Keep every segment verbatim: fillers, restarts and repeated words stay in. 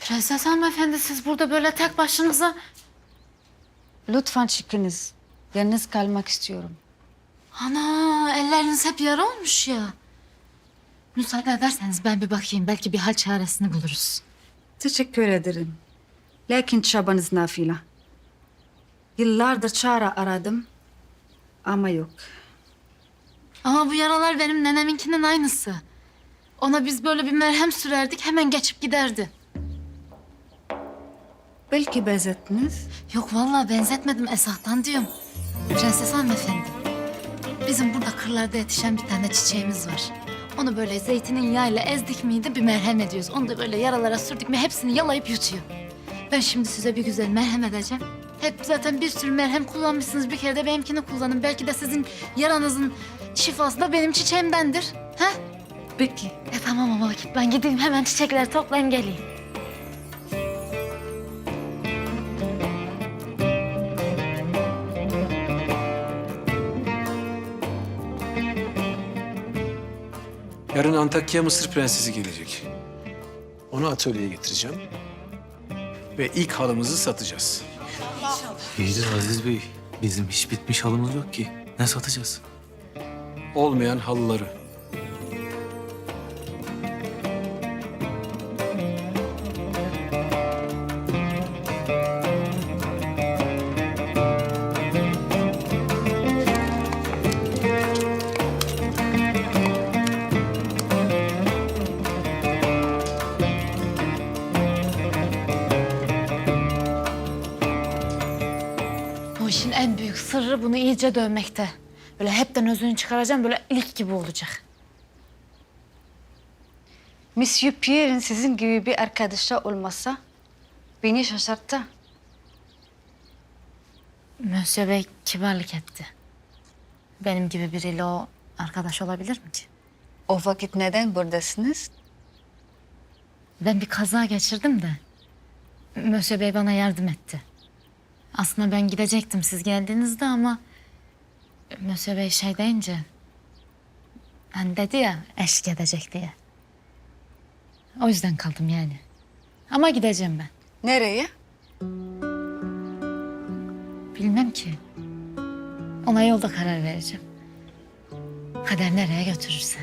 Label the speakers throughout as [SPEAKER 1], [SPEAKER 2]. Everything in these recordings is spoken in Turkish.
[SPEAKER 1] Prenses hanımefendi siz burada böyle tek başınıza...
[SPEAKER 2] Lütfen çıkınız. Yalnız kalmak istiyorum.
[SPEAKER 1] Ana elleriniz hep yara olmuş ya. Müsaade ederseniz ben bir bakayım. Belki bir hal çaresini buluruz.
[SPEAKER 2] Teşekkür ederim. Lakin çabanız nafile. Yıllardır çare aradım ama yok.
[SPEAKER 1] Ama bu yaralar benim neneminkinin aynısı. Ona biz böyle bir merhem sürerdik hemen geçip giderdi.
[SPEAKER 2] Belki benzettiniz.
[SPEAKER 1] Yok vallahi benzetmedim Esat'tan diyorum. Prenses hanımefendi. Bizim burada kırlarda yetişen bir tane çiçeğimiz var. Onu böyle zeytinin yağıyla ezdik miydi bir merhem ediyoruz. Onu da böyle yaralara sürdük mü hepsini yalayıp yutuyor. Ben şimdi size bir güzel merhem edeceğim. Hep zaten bir sürü merhem kullanmışsınız. Bir kere de benimkini kullanın. Belki de sizin yaranızın şifası da benim çiçeğimdendir. Ha?
[SPEAKER 2] Peki.
[SPEAKER 1] E tamam ama vakit ben gideyim hemen çiçekleri toplayayım geleyim.
[SPEAKER 3] Yarın Antakya Mısır Prensesi gelecek. Onu atölyeye getireceğim. Ve ilk halımızı satacağız.
[SPEAKER 4] İyi de Aziz Bey, bizim hiç bitmiş halımız yok ki. Ne satacağız?
[SPEAKER 3] Olmayan halıları.
[SPEAKER 1] Bu işin en büyük sırrı bunu iyice dövmekte. Böyle hepten özünü çıkaracağım böyle ilik gibi olacak.
[SPEAKER 2] Monsieur Pierre'in sizin gibi bir arkadaşa olmasa beni şaşırttı.
[SPEAKER 1] Mösyö Bey kibarlık etti. Benim gibi biriyle o arkadaş olabilir mi ki?
[SPEAKER 2] O vakit neden buradasınız?
[SPEAKER 1] Ben bir kaza geçirdim de Mösyö Bey bana yardım etti. Aslında ben gidecektim siz geldiğinizde ama Mösyö Bey şey deyince hani dedi ya eşlik edecek diye. O yüzden kaldım yani. Ama gideceğim ben.
[SPEAKER 2] Nereye?
[SPEAKER 1] Bilmem ki. Ona yolda karar vereceğim. Kader nereye götürürse.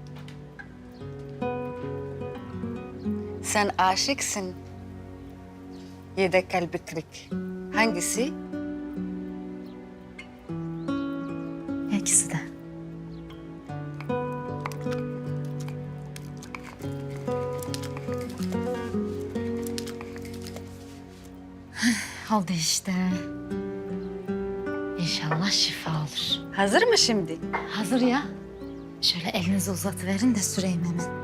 [SPEAKER 2] Sen aşıksın. Yedek kalbi kırık. Hangisi?
[SPEAKER 1] İkisi de. Oldu işte. İnşallah şifa olur.
[SPEAKER 2] Hazır mı şimdi?
[SPEAKER 1] Hazır ya. Şöyle elinizi uzatıverin de süreyim hemen.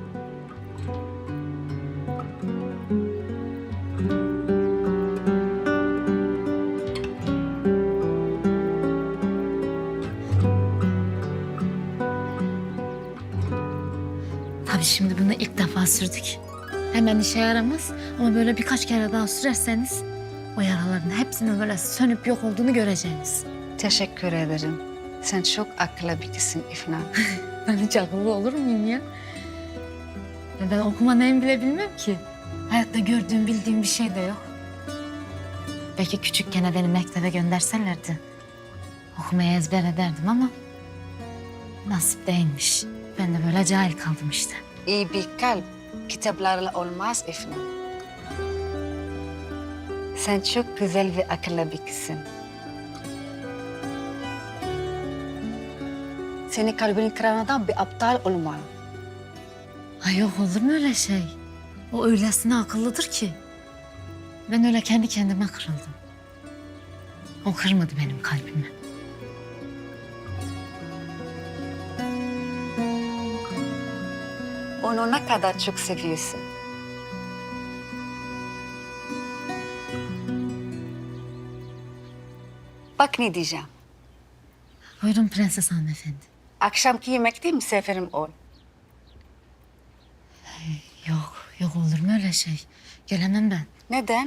[SPEAKER 1] Tabii şimdi bunu ilk defa sürdük. Hemen işe yaramaz ama böyle birkaç kere daha sürerseniz o yaraların hepsinin böyle sönüp yok olduğunu göreceğiniz.
[SPEAKER 2] Teşekkür ederim. Sen çok akıllı birisin İfna.
[SPEAKER 1] Ben hiç akıllı olur muyum ya? Ya ben okuma neyim bile bilmem ki. Hayatta gördüğüm, bildiğim bir şey de yok. Belki küçükken beni mektebe gönderselerdi okumayı ezber ederdim ama nasip değilmiş. Ben de böyle cahil kaldım işte.
[SPEAKER 2] İyi bir kalp kitaplarla olmaz İfna. Sen çok güzel ve akıllı bir kızsın. Senin kalbini kıran adam bir aptal olmalı.
[SPEAKER 1] Ay yok olur mu öyle şey? O öylesine akıllıdır ki. Ben öyle kendi kendime kırıldım. O kırmadı benim kalbimi.
[SPEAKER 2] Onu ne kadar çok seviyorsun. Bak ne diyeceğim.
[SPEAKER 1] Buyurun Prenses hanımefendi.
[SPEAKER 2] Akşamki yemekte misafirim ol.
[SPEAKER 1] Yok, yok olur mu öyle şey? Gelemem ben.
[SPEAKER 2] Neden?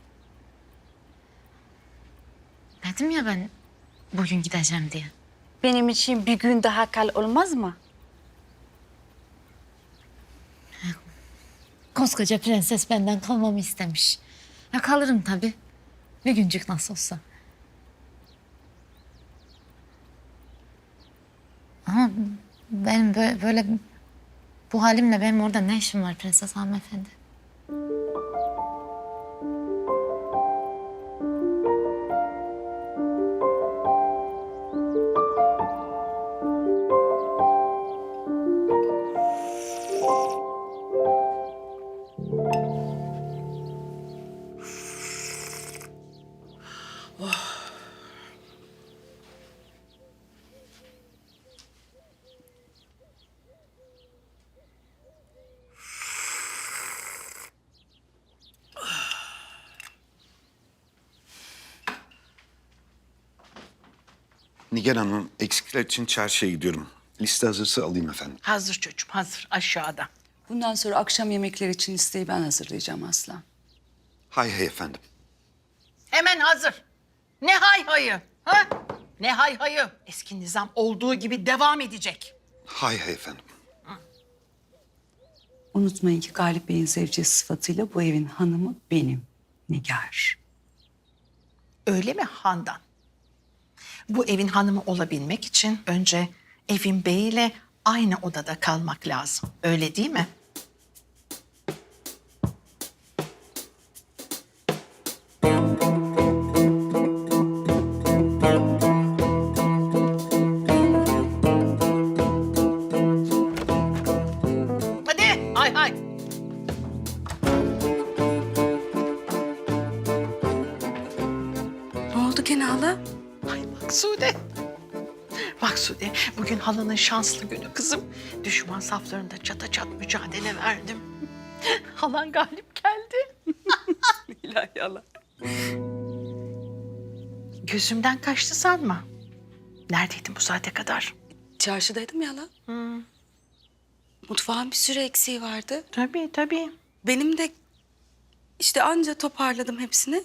[SPEAKER 1] Dedim ya ben bugün gideceğim diye.
[SPEAKER 2] Benim için bir gün daha kal olmaz mı?
[SPEAKER 1] Koskoca prenses benden kalmamı istemiş. Ya kalırım tabii. Bir güncük nasıl olsa. Ama benim böyle, böyle bu halimle benim orada ne işim var prenses hanımefendi?
[SPEAKER 5] Nigar Hanım, eksikler için çarşıya gidiyorum. Liste hazırsa alayım efendim.
[SPEAKER 6] Hazır çocuğum, hazır. Aşağıda.
[SPEAKER 7] Bundan sonra akşam yemekleri için listeyi ben hazırlayacağım Aslan.
[SPEAKER 5] Hay hay efendim.
[SPEAKER 6] Hemen hazır. Ne hay hayı, ha? Ne hay hayı. Eski nizam olduğu gibi devam edecek.
[SPEAKER 5] Hay hay efendim.
[SPEAKER 7] Unutmayın ki Galip Bey'in zevcesi sıfatıyla bu evin hanımı benim, Nigar.
[SPEAKER 6] Öyle mi Handan? Bu evin hanımı olabilmek için önce evin beyiyle aynı odada kalmak lazım. Öyle değil mi? Hadi, hay hay.
[SPEAKER 7] Ne oldu gene hala?
[SPEAKER 6] Ay Maksude. Maksude, bugün halanın şanslı günü kızım. Düşman saflarında çata çat mücadele verdim. Halan galip geldi.
[SPEAKER 7] İlahi hala.
[SPEAKER 6] Gözümden kaçtı sanma. Neredeydin bu saate kadar?
[SPEAKER 7] Çarşıdaydım ya hala. Mutfağın bir sürü eksiği vardı.
[SPEAKER 6] Tabii tabii.
[SPEAKER 7] Benim de işte anca toparladım hepsini.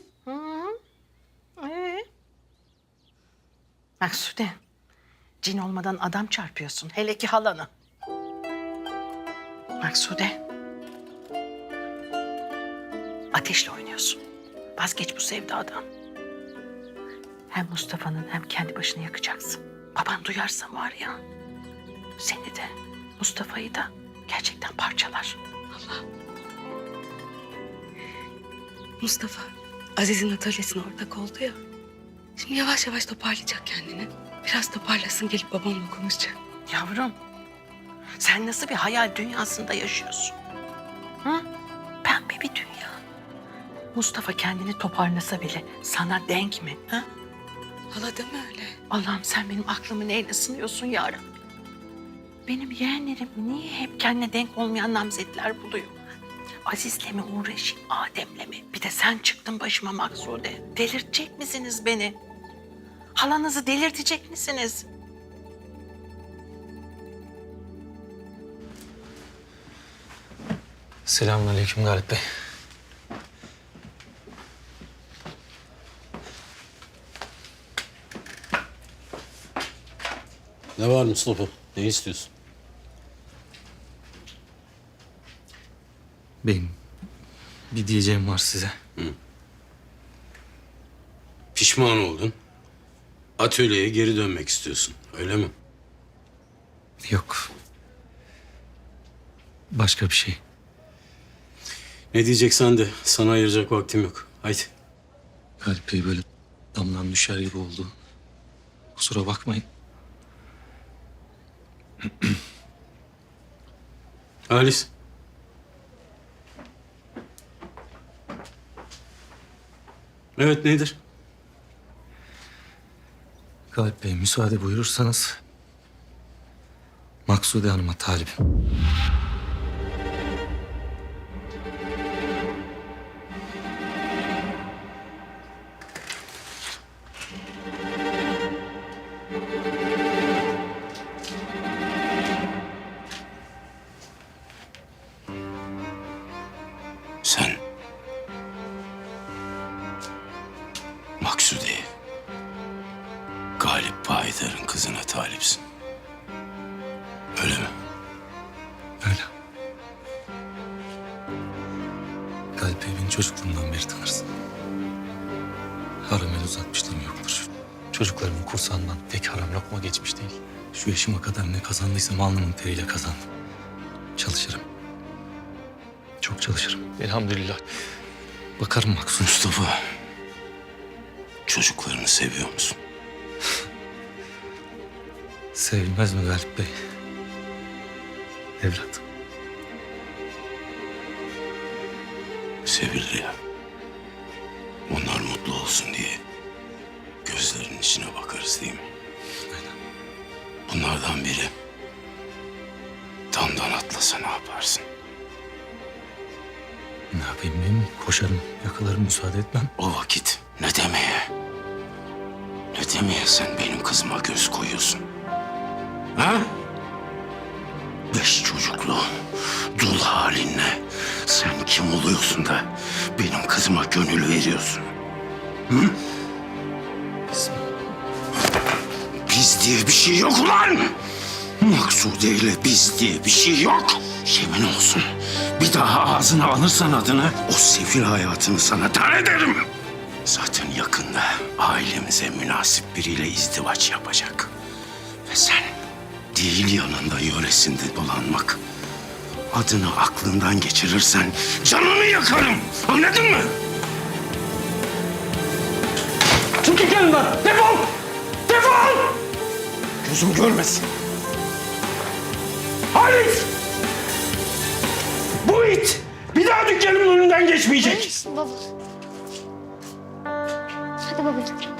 [SPEAKER 6] Ee? Maksude, cin olmadan adam çarpıyorsun. Hele ki halanı. Maksude. Ateşle oynuyorsun. Vazgeç bu sevdadan. Hem Mustafa'nın hem kendi başını yakacaksın. Baban duyarsa var ya, seni de Mustafa'yı da gerçekten parçalar.
[SPEAKER 7] Mustafa, Aziz'in atölyesine ortak oldu ya. Şimdi yavaş yavaş toparlayacak kendini. Biraz toparlasın gelip babamla konuşacak.
[SPEAKER 6] Yavrum, sen nasıl bir hayal dünyasında yaşıyorsun? Hı? Pembe bir dünya. Mustafa kendini toparlasa bile sana denk mi? Ha?
[SPEAKER 7] Hala deme öyle.
[SPEAKER 6] Allah'ım sen benim aklımı neyle sınıyorsun ya Rabbi? Benim yeğenlerim niye hep kendine denk olmayan namzetler buluyor? Aziz'le mi uğraşayım, Adem'le mi? Bir de sen çıktın başıma Maksude. Delirtecek misiniz beni? Halanızı delirtecek misiniz?
[SPEAKER 4] Selamünaleyküm Galip Bey.
[SPEAKER 8] Ne var Mustafa? Ne istiyorsun?
[SPEAKER 4] Beyim, bir diyeceğim var size.
[SPEAKER 8] Pişman oldun. Atölyeye geri dönmek istiyorsun. Öyle mi?
[SPEAKER 4] Yok. Başka bir şey.
[SPEAKER 8] Ne diyeceksen de sana ayıracak vaktim yok. Haydi.
[SPEAKER 4] Galip Bey böyle damdan düşer gibi oldu. Kusura bakmayın.
[SPEAKER 8] Halis. Evet nedir?
[SPEAKER 4] Galip Bey müsaade buyurursanız Maksude Hanım'a talibim.
[SPEAKER 8] Sen Maksude'ye Galip Payidar'ın kızına talipsin. Öyle mi?
[SPEAKER 4] Öyle. çocukluğumdan beri tanırsın. Haram el uzatmışlığım yoktur. Çocuklarımın kursağından tek haram lokma geçmiş değil. Şu yaşıma kadar ne kazandıysam alnımın teriyle kazandım. Çalışırım. Çok çalışırım. Elhamdülillah. Bakarım Maksut.
[SPEAKER 8] Mustafa, çocuklarını seviyor musun?
[SPEAKER 4] Sevilmez mi Galip Bey? Evlat.
[SPEAKER 8] Sevilir ya. Onlar mutlu olsun diye gözlerinin içine bakarız değil mi?
[SPEAKER 4] Aynen.
[SPEAKER 8] Bunlardan biri damdan atlasa ne yaparsın?
[SPEAKER 4] Ne yapayım değil mi? Koşarım, yakalarım, müsaade etmem.
[SPEAKER 8] O vakit ne demeye? Ne demeye sen benim kızıma göz koyuyorsun? Ha? Beş çocuklu, dul halinle sen kim oluyorsun da benim kızıma gönül veriyorsun? Hı?
[SPEAKER 4] Biz
[SPEAKER 8] Biz diye bir şey yok ulan! Maksude ile biz diye bir şey yok. Yemin olsun bir daha ağzına alırsan adını o sefil hayatını sana dar ederim. Zaten yakında ailemize münasip biriyle izdivaç yapacak. Ve sen değil yanında yöresinde dolanmak. Adını aklından geçirirsen canını yakarım. Anladın mı? Çık git yanından. Defol! Defol! Gözüm görmesin. Halis! Bu it bir daha dükkanımın önünden geçmeyecek.
[SPEAKER 1] Baba. Hadi babacığım.